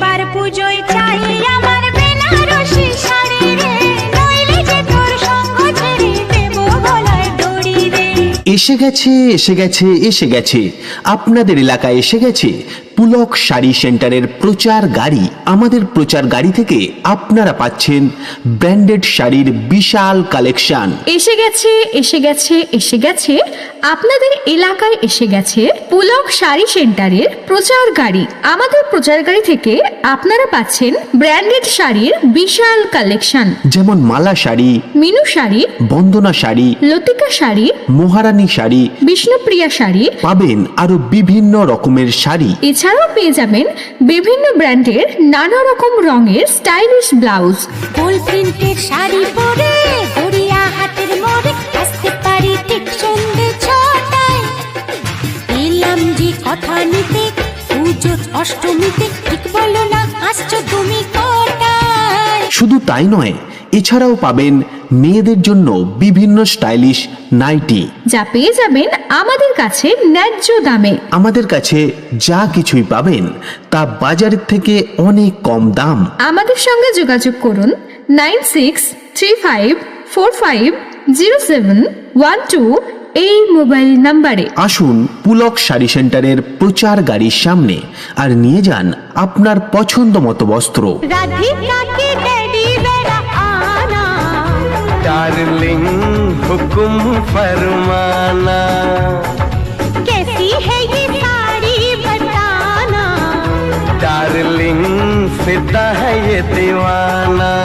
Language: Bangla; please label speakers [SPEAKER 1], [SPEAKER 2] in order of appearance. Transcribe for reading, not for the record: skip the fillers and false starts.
[SPEAKER 1] এবার পুজোয় চাই আমার বেনারসি শাড়ি রে, নইলে যে তোর সঙ্গ ছেড়ে দেবো গলায় দড়ি রে।
[SPEAKER 2] এসে গেছে এসে গেছে এসে গেছে, আপনাদের এলাকায় এসে গেছে পুলক শাড়ি সেন্টারের প্রচার গাড়ি। আমাদের প্রচার গাড়ি থেকে আপনারা পাচ্ছেন ব্র্যান্ডেড শাড়ির বিশাল কালেকশন।
[SPEAKER 3] এসে গেছে এসে গেছে এসে গেছে, আপনাদের এলাকায় এসে গেছে পুলক শাড়ি সেন্টারের প্রচার গাড়ি। আমাদের প্রচার গাড়ি থেকে আপনারা পাচ্ছেন ব্র্যান্ডেড শাড়ির বিশাল কালেকশন,
[SPEAKER 2] যেমন মালা শাড়ি,
[SPEAKER 3] মিনু শাড়ি,
[SPEAKER 2] বন্দনা শাড়ি,
[SPEAKER 3] লতিকা শাড়ি,
[SPEAKER 2] মহারানী শাড়ি,
[SPEAKER 3] বিষ্ণুপ্রিয়া শাড়ি,
[SPEAKER 2] পাবেন আরো বিভিন্ন রকমের শাড়ি।
[SPEAKER 3] এছাড়াও পেয়ে যাবেন বিভিন্ন ব্র্যান্ডের নানা রকম রঙের স্টাইলিশ ব্লাউজ।
[SPEAKER 1] ফুল প্রিন্টের শাড়ি পরে গড়িয়া হাতের মোড়ে আসতে পারি ঠিক সন্ধ্যে 6টায়। এলাম যে কথা নিতে পুজোর অষ্টমীতে, ঠিক বলো না আসছো তুমি কটায়?
[SPEAKER 2] শুধু তাই নয়, এছাড়াও পাবেন মেয়েদের জন্য বিভিন্ন স্টাইলিশ নাইটি,
[SPEAKER 3] যা পেয়ে যাবেন আমাদের কাছে ন্যায্য দামে।
[SPEAKER 2] আমাদের কাছে যা কিছুই পাবেন তা বাজারের থেকে অনেক কম দাম।
[SPEAKER 3] আমাদের সঙ্গে যোগাযোগ করুন 9635450712 এই মোবাইল নাম্বারে।
[SPEAKER 2] আসুন পুলক শাড়ি সেন্টারের প্রচার গাড়ির সামনে আর নিয়ে যান আপনার পছন্দ মতো বস্ত্র।
[SPEAKER 1] राधिका के डैडी बेरा आना,
[SPEAKER 4] डार्लिंग हुक्म फरमाना,
[SPEAKER 1] कैसी है ये साड़ी बताना,
[SPEAKER 4] डार्लिंग फिदा है ये दीवाना।